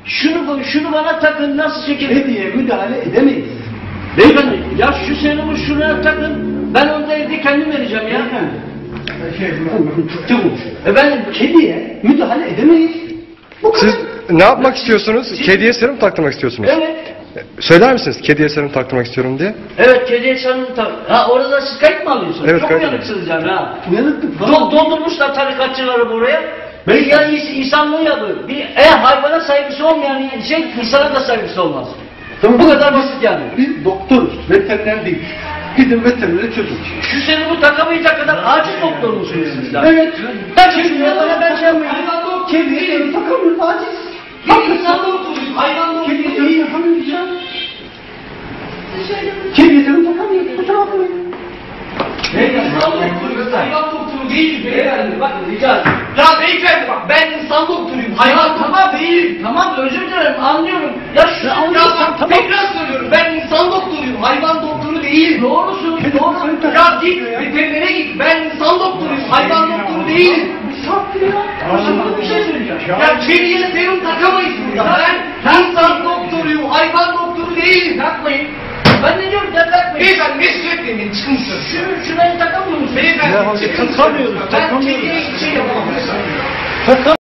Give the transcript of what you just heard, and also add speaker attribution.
Speaker 1: Şunu bana takın, nasıl çekelim?
Speaker 2: Kediye müdahale edemeyiz.
Speaker 1: Beyefendi, ya şu serumu şuraya takın, ben onu da evde kendim vereceğim ya.
Speaker 2: Çabuk.
Speaker 1: Efendim,
Speaker 2: Kediye müdahale edemeyiz. Bu kadar.
Speaker 3: Siz ne yapmak istiyorsunuz? Kediye serum taktırmak istiyorsunuz.
Speaker 1: evet.
Speaker 3: Söyler misiniz kediye serum taktırmak istiyorum diye?
Speaker 1: Evet, kediye serum tak. Ha, orada siz kayıt mı alıyorsunuz?
Speaker 3: Evet,
Speaker 1: Çok
Speaker 3: kayıt
Speaker 1: uyanıksınız yani ha.
Speaker 2: Uyanıklık falan.
Speaker 1: Doldurmuşlar tarikatçıları buraya. Ya insanlığı yapıyor. Eğer hayvana saygısı olmayan insana da saygısı olmaz.
Speaker 2: Tamam.
Speaker 1: Bu kadar basit yani.
Speaker 2: Biz doktoruz, veteriner değil. Gidin veterinere çözün.
Speaker 1: Şu serumu takamayacak kadar aciz doktor musunuz siz daha?
Speaker 2: Evet.
Speaker 1: Ben şimdi bana ben şey yapmayayım.
Speaker 2: Kediye serum takamıyoruz, aciz.
Speaker 1: İnsan doktoruyum, hayvan doktoruyum.
Speaker 2: Kediye serum takamıyoruz ya. Kediye serum takamıyoruz, kusura bakmayın.
Speaker 1: İnsan doktoruyum, hayvan doktoru değilim beyefendi. Bak rica ederim.
Speaker 4: Ya beyefendi bak ben insan doktoruyum. Hayvan tamam değil.
Speaker 1: Tamam özür dilerim anlıyorum. Ya şu
Speaker 4: Ya bak tekrar söylüyorum ben insan doktoruyum. Hayvan doktoru değil.
Speaker 1: doğrusun doğru.
Speaker 4: Ya git veterinere git. Ben insan doktoruyum. Hayvan doktoru değilim.
Speaker 1: Sana bir şey söyleyeceğim.
Speaker 4: Ya kediye serum takamayız burada. Ben insan doktoruyum. Hayvan doktoru değilim.
Speaker 1: Takmayın. Ben ne diyorum ya takmayın.
Speaker 4: Beyefendi mesul etmeyin. Çıkın dışarı.
Speaker 1: Şurayı takamıyor musun?
Speaker 4: Beyefendi çıkın dışarı.
Speaker 2: takamıyoruz,
Speaker 4: Ben
Speaker 2: takamıyoruz.
Speaker 4: kediye hiçbir şey yapamam.
Speaker 2: Takamıyoruz.